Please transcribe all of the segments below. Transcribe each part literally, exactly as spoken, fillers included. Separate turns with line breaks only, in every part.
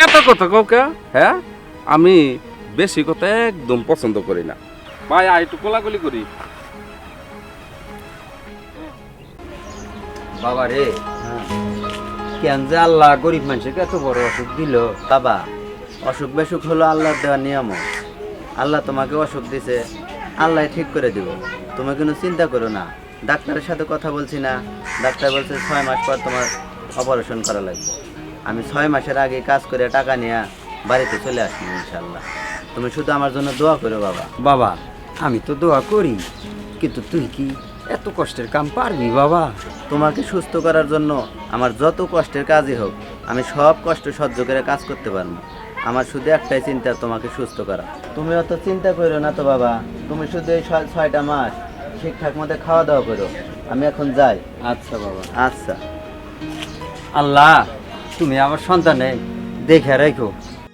এত কথা কাউকে, হ্যাঁ আমি বেশি কথা একদম পছন্দ করি না। ভাই আয় একটু কোলাকুলি করি।
বাবা রে, কেন যে আল্লাহ গরিব মানুষকে এত বড় অসুখ দিল? বাবা, অসুখ বেসুখ হলো আল্লাহর দেওয়া নিয়ম। আল্লাহ তোমাকে অসুখ দিছে, আল্লাহ ঠিক করে দিব। তুমি কোনো চিন্তা করো না। ডাক্তারের সাথে কথা বলছি না, ডাক্তার বলছে ছয় মাস পর তোমার অপারেশন করা লাগবে। আমি ছয় মাসের আগে কাজ করে টাকা নিয়ে বাড়িতে চলে আসবো ইনশাল্লাহ। তুমি শুধু আমার জন্য দোয়া করো বাবা।
বাবা, আমি তো দোয়া করি, কিন্তু তুই কি এত কষ্টের কাম পারবি বাবা?
তোমাকে সুস্থ করার জন্য আমার যত কষ্টের কাজই হোক, আমি সব কষ্ট সহ্য করে কাজ করতে পারবো। আমার শুধু একটাই চিন্তা, তোমাকে সুস্থ করা। তুমি অত চিন্তা করো না তো বাবা, তুমি শুধু এই ছয়- ছয়টা মাস ঠিকঠাক মতো খাওয়া দাওয়া করো। আমি এখন যাই।
আচ্ছা বাবা।
আচ্ছা।
আল্লাহ, তুমি আমার সন্তানে দেখে রাখো।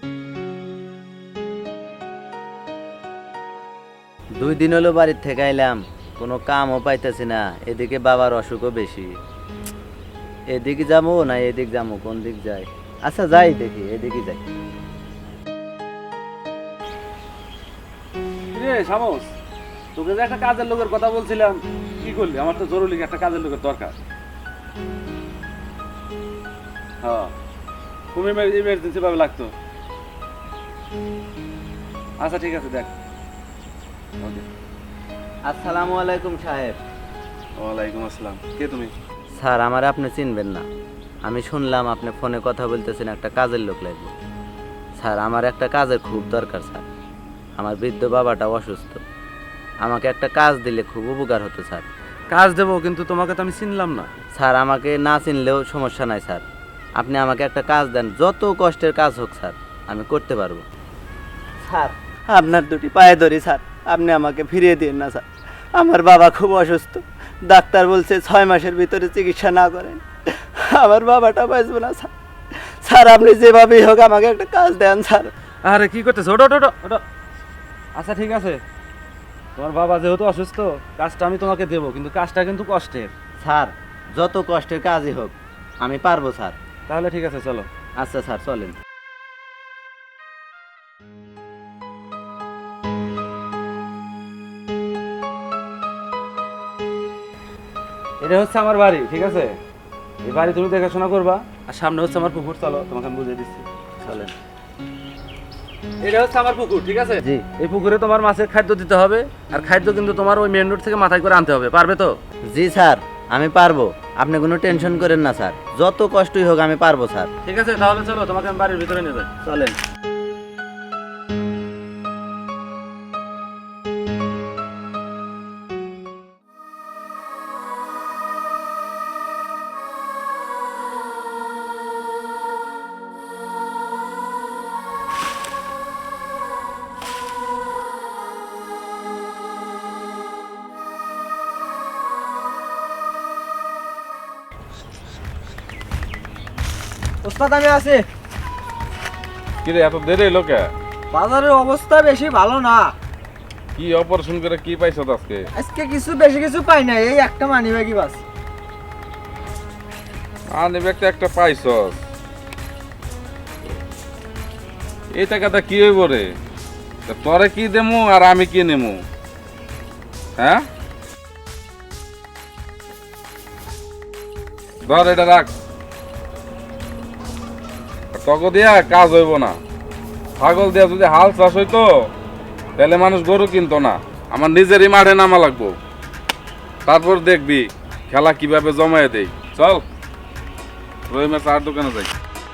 দুই দিন হলো বাড়ির থেকে আইলাম, কোনো কামও পাইতেছি না। এদিকে বাবার অসুখও বেশি। এদিকে যাবো না এদিক যাবো, কোন দিক যাই? আচ্ছা যাই, দেখি এদিকে যাই।
রে শামস, তোকে যে একটা কাজের লোকের কথা বলছিলাম, কি করলি? আমার তো জরুরি একটা কাজের লোকের দরকার। হ্যাঁ, খুব ইমার্জেন্সি ভাবে লাগতো। আচ্ছা ঠিক আছে, দেখ। ওকে।
আসসালামু আলাইকুম সাহেব।
ওয়ালাইকুম আসসালাম। কে তুমি?
স্যার, আমার আপনি চিনবেন না। আমি শুনলাম আপনি ফোনে কথা বলতেছেন, একটা কাজের লোক লাগবে। স্যার, আমার একটা কাজের খুব দরকার স্যার। আমার বৃদ্ধ বাবাটা অসুস্থ, আমাকে একটা কাজ দিলে খুব উপকার হতো স্যার।
কাজ দেবো, কিন্তু তোমাকে তো আমি চিনলাম না।
স্যার, আমাকে না চিনলেও সমস্যা নাই স্যার। আপনি আমাকে একটা কাজ দেন, যত কষ্টের কাজ হোক স্যার, আমি করতে পারবো। স্যার, আপনার দুটি পায়ে ধরি স্যার, আপনি আমাকে ফিরিয়ে দিন না স্যার। আমার বাবা খুব অসুস্থ, ডাক্তার বলছে ছয় মাসের ভিতরে চিকিৎসা না করেন আমার বাবাটা বাঁচবে না স্যার। স্যার, আপনি যেভাবেই হোক আমাকে একটা কাজ দেন স্যার।
আরে কি করতেছো? ওটো ওটো ওটো। আচ্ছা ঠিক আছে, তোমার বাবা যেহেতু অসুস্থ, কাজটা আমি তোমাকে দেবো, কিন্তু কাজটা কিন্তু কষ্টের।
স্যার, যত কষ্টের কাজই হোক আমি পারবো স্যার।
তাহলে ঠিক আছে, চলো।
আচ্ছা স্যার, চলেন।
এটা হচ্ছে আমার বাড়ি, ঠিক আছে? এই বাড়ি তুমি দেখাশোনা করবা, আর সামনে হচ্ছে আমার পুকুর। চলো, তোমাকে আমি বুঝিয়ে দিচ্ছি, চলেন। এটা হচ্ছে আমার পুকুর, ঠিক আছে?
জি।
এই পুকুরে তোমার মাছের খাদ্য দিতে হবে, আর খাদ্য কিন্তু তোমার ওই মেন রোড থেকে মাথায় করে আনতে হবে। পারবে তো?
জি স্যার, আমি পারবো। আপনি কোনো টেনশন করেন না স্যার, যত কষ্টই হোক আমি পারবো স্যার।
ঠিক আছে, তাহলে চলো, তোমাকে আমি বাড়ির ভিতরে নিয়ে যাই।
চলেন।
ওস্তাদ, আমি আছি।
কি রে, এত দেরি হলো কে?
বাজারের অবস্থা বেশি ভালো না।
কি অপারেশন করে কি পাইছো আজকে?
আজকে কিছু বেশি কিছু পাই না, এই একটা মানি ব্যাগই বাস।
আনে ব্যাগটা একটা পাইছস, এই টাকাটা কি হইব রে? তা তোরে কি দেমু আর আমি কি নেমু? হ্যাঁ, ধর এটা রাখ। তক দিয়া কাজ হইব না। ছাগল দিয়া যদি হাল চাষ হইতো, তাহলে মানুষ গরু কিনতো না। আমার নিজেরই মাঠে নামা লাগবো, তারপর দেখবি খেলা কিভাবে জমায়ে দেই। চল, রহিমের চার দোকানে যাই।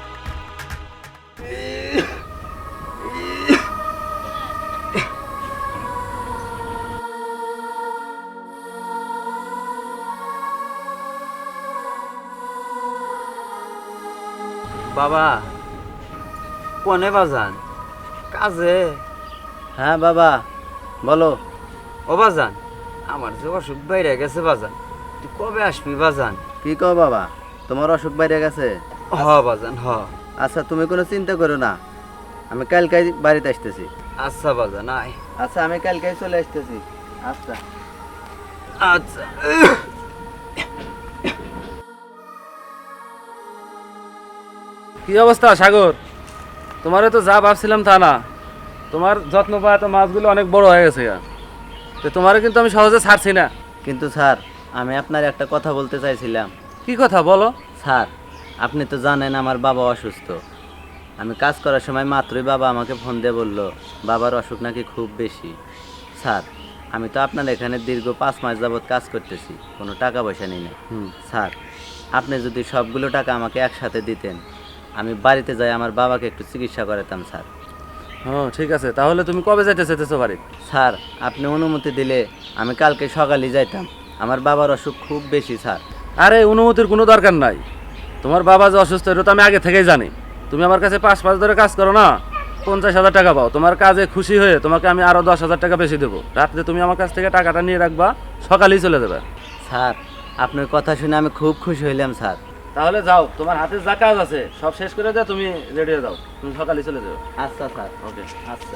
বাবা, কোনে বাজান? কাজে?
হ্যাঁ বাবা, বলো।
ও বাজান, আমার যে অসুখ বাইরে গেছে বাজান, তুই কবে আসবি বাজান?
কি কো বাবা, তোমার অসুখ বাইরে গেছে?
হ বাজান, হ।
আচ্ছা, তুমি কোনো চিন্তা করো না, আমি কালকাই বাড়িতে আসতেছি।
আচ্ছা বাজান, আয়।
আচ্ছা, আমি কালকাই চলে আসতেছি। আচ্ছা।
আচ্ছা।
কি অবস্থা সাগর?
তোমারে তো যা ভাবছিলাম তা না, তোমার যত্ন পাওয়া তো মাছগুলো অনেক বড় হয়ে গেছে গা। তো তোমারে কিন্তু আমি সহজে ছাড়ছি না।
কিন্তু স্যার আমি আপনার একটা কথা বলতে চাইছিলাম।
কি কথা বলো?
স্যার আপনি তো জানেন আমার বাবা অসুস্থ। আমি কাজ করার সময় মাত্রই বাবা আমাকে ফোন দিয়ে বলল বাবার অসুখ নাকি খুব বেশি। স্যার আমি তো আপনার এখানে দীর্ঘ পাঁচ মাস যাবৎ কাজ করতেছি, কোনো টাকা পয়সা নিই না। স্যার আপনি যদি সবগুলো টাকা আমাকে একসাথে দিতেন, আমি বাড়িতে যাই আমার বাবাকে একটু চিকিৎসা করাতাম স্যার।
হ্যাঁ ঠিক আছে, তাহলে তুমি কবে যাইতে চাইতেছো বাড়ি?
স্যার আপনি অনুমতি দিলে আমি কালকে সকালে যাইতাম, আমার বাবার অসুখ খুব বেশি স্যার।
আরে অনুমতির কোনো দরকার নাই, তোমার বাবা যে অসুস্থ এটা তো আমি আগে থেকেই জানি। তুমি আমার কাছে পাঁচ মাস ধরে কাজ করো না, পঞ্চাশ হাজার টাকা পাও। তোমার কাজে খুশি হয়ে তোমাকে আমি আরো দশ হাজার টাকা বেশি দেবো। রাত্রে তুমি আমার কাছ থেকে টাকাটা নিয়ে রাখবা, সকালেই চলে যাবে।
স্যার আপনার কথা শুনে আমি খুব খুশি হইলাম স্যার।
তাহলে যাও, তোমার হাতে যা কাজ আছে সব শেষ করে দাও, তুমি রেডি হয়ে যাও, তুমি সকালেই চলে যাও।
আচ্ছা স্যার।
ওকে।
আচ্ছা।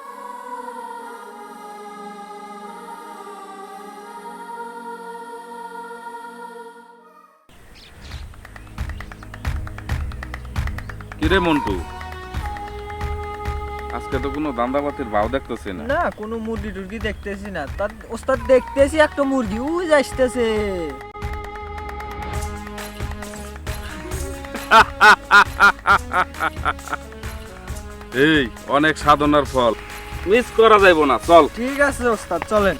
কিরে মন্টু, আজকে তো কোনো দান্দাবাতির ভাও দেখতেছি না।
না কোনো মুরগি টুরগি দেখতেছি না, তার ওস্তাদ দেখতেছি একটা মুরগি উই আসতেছে।
এই অনেক সাধনার ফল, মিস করা যাইব না, চল।
ঠিক আছে ওস্তাদ চলেন।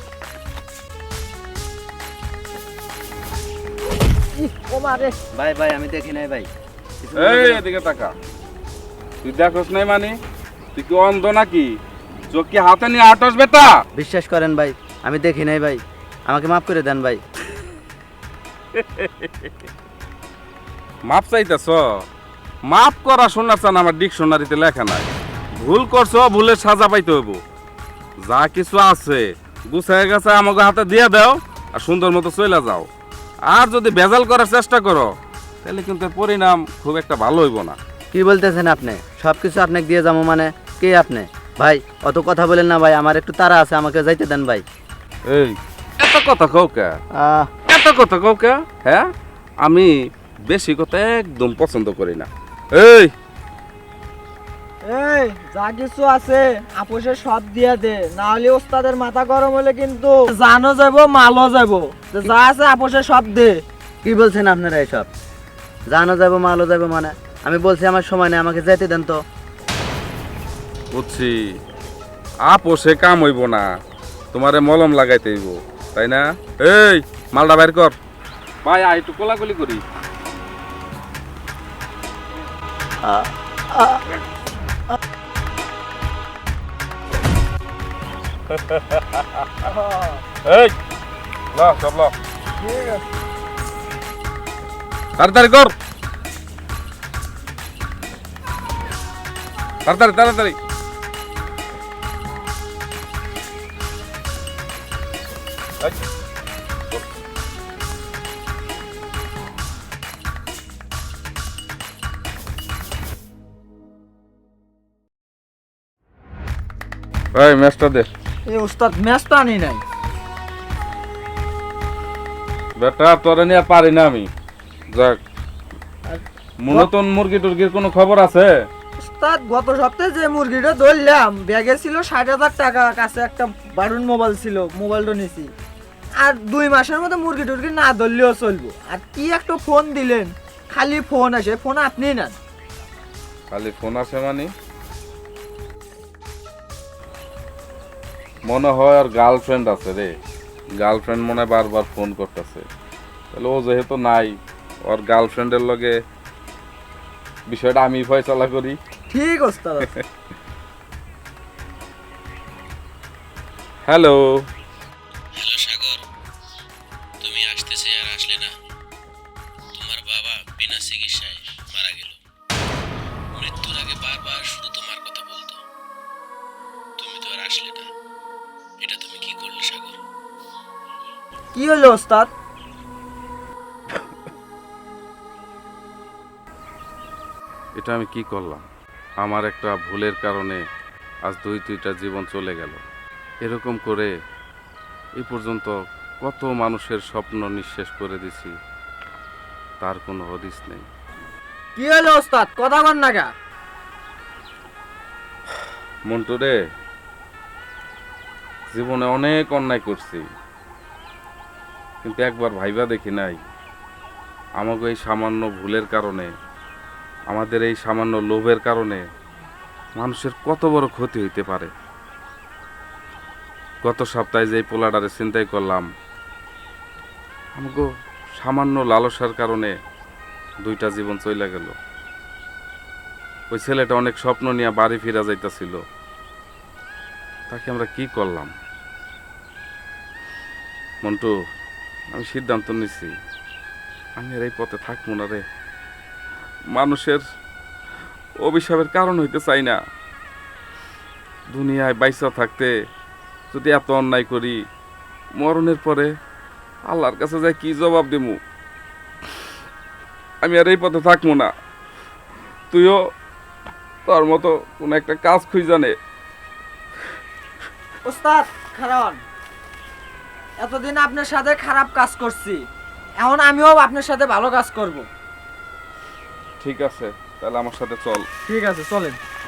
ইহ, ও মারে।
ভাই ভাই আমি দেখি নাই ভাই। কিছু
এই
বলবেন?
এদিকে তাকা, তুই দেখোস নাই মানে? তুই কি অন্ধ নাকি? চোখ কি হাতে নিয়ে আটস বেটা?
বিশ্বাস করেন ভাই আমি দেখি নাই ভাই, আমাকে মাফ করে দেন ভাই।
মাপ চাইতেছ? মাপ করা শোনা চান আমার ডিকশনারিতে লেখা নাই। ভুল করছো, ভুলের সাজা পাইতে হইব। যা কিছু আছে গুছায় গেছে আমাকে হাতে দিয়ে দাও আর সুন্দর মতো চলে যাও। আর যদি ভেজাল করার চেষ্টা করো তাহলে কিন্তু এর পরিণাম খুব একটা ভালো হইব না।
কি বলতেছেন আপনি? সব কিছু আপনাকে দিয়ে যাবো মানে? কে আপনি? ভাই অত কথা বলেন না ভাই, আমার একটু তাড়া আছে, আমাকে যাইতে দেন ভাই।
এই এত কথা কও কে?
আহ,
এত কথা কও কে? হ্যাঁ, আমি বেশি কথা একদম পছন্দ করি না। এই
এই যা কিছু আছে আপোষে সব দিয়া দে, না হলে ওস্তাদের মাথা গরম হলে কিন্তু জানো যাবো মালও যাবো। তো যা আছে আপোষে সব দে।
কি বলছেন আপনারা এসব? জানো যাবো মালও যাবো মানে? আমি বলছি আমার সময় নেই, আমাকে যেতে দেন তো।
বুঝছি, আপোষে কাম হইব না, তোমারে মলম লাগাইতে হইব, তাই না? এই মালটা বাইর কর। ভাই আই একটু কোলাকুলি করি। এই ল সব ল,
ঠিক আছে।
তাড়াতাড়ি কর, তাড়াতাড়ি তাড়াতাড়ি। এই, এই ম্যাচটা দে
এই ওস্তাদ ম্যাচ তো আনি নাই।
বেটা, তোরে নিয়ে আর পারি না আমি। যাক, মূলতন মুরগি টুরগির কোনো খবর আছে?
ওস্তাদ গত সপ্তাহে যে মুরগিটা ধরলাম ব্যাগে ছিল ষাট হাজার টাকা, কাছে একটা বাটন মোবাইল ছিল, মোবাইলটা নিছি। আর দুই মাসের মধ্যে মুরগি টুরগি না ধরলেও চলবো। আর কি একটা ফোন দিলেন, খালি ফোন আসে, ফোন আপনি নেন।
খালি ফোন আসে মানে? মনে হয় আর গার্লফ্রেন্ড আছে রে, গার্লফ্রেন্ড মনে হয় বারবার ফোন করতেছে। তাহলে ও যেহেতু নাই, ওর গার্লফ্রেন্ডের লগে বিষয়টা আমি ফয়সালা করি।
ঠিক ওস্তাদ আছে।
হ্যালো,
হ্যালো সাগর, তুমি আসতেছে আর আসলে না। তোমার বাবা বিনা চিকিৎসায় মারা গেল। মৃত্যুর আগে বারবার শুধু তোমার কথা বলতো, তুমি তো আর আসলে না। এটা তুমি কি করলে সাগর?
কি হলো ওস্তাদ?
এটা আমি কি করলাম? আমার একটা ভুলের কারণে আজ দুই দুইটা জীবন চলে গেল। এরকম করে এই পর্যন্ত কত মানুষের স্বপ্ন নিঃশেষ করে দিছি, তার কোনো হদিস নেই।
কি হলো ওস্তাদ, কথা বল না গা?
মন্টু রে, জীবনে অনেক অন্যায় করছি, কিন্তু একবার ভাইবা দেখি নাই আমাকে এই সামান্য ভুলের কারণে, আমাদের এই সামান্য লোভের কারণে মানুষের কত বড় ক্ষতি হইতে পারে। গত সপ্তাহে যে পোলাডারে চিন্তাই করলাম, আমাকে সামান্য লালসার কারণে দুইটা জীবন চলে গেল। ওই ছেলেটা অনেক স্বপ্ন নিয়ে বাড়ি ফিরা যাইতাছিল, তাকে আমরা কি করলাম? মন্টু, আমি সিদ্ধান্ত নিছি আমি আর এই পথে থাকবো না রে। মানুষের অভিশাপের কারণ হইতে চাই না। দুনিয়ায় বাইসা থাকতে যদি এত অন্যায় করি, মরণের পরে আল্লাহর কাছে যাই কি জবাব দেবো? আমি আর এই পথে থাকবো না। তুইও তোর মতো কোন একটা কাজ খুঁজে নে।
ওস্তাদ খারান, এতদিন আপনার সাথে খারাপ কাজ করছি, এখন আমিও আপনার সাথে ভালো কাজ করব।
ঠিক আছে, তাহলে আমার সাথে চল।
ঠিক আছে, চলেন।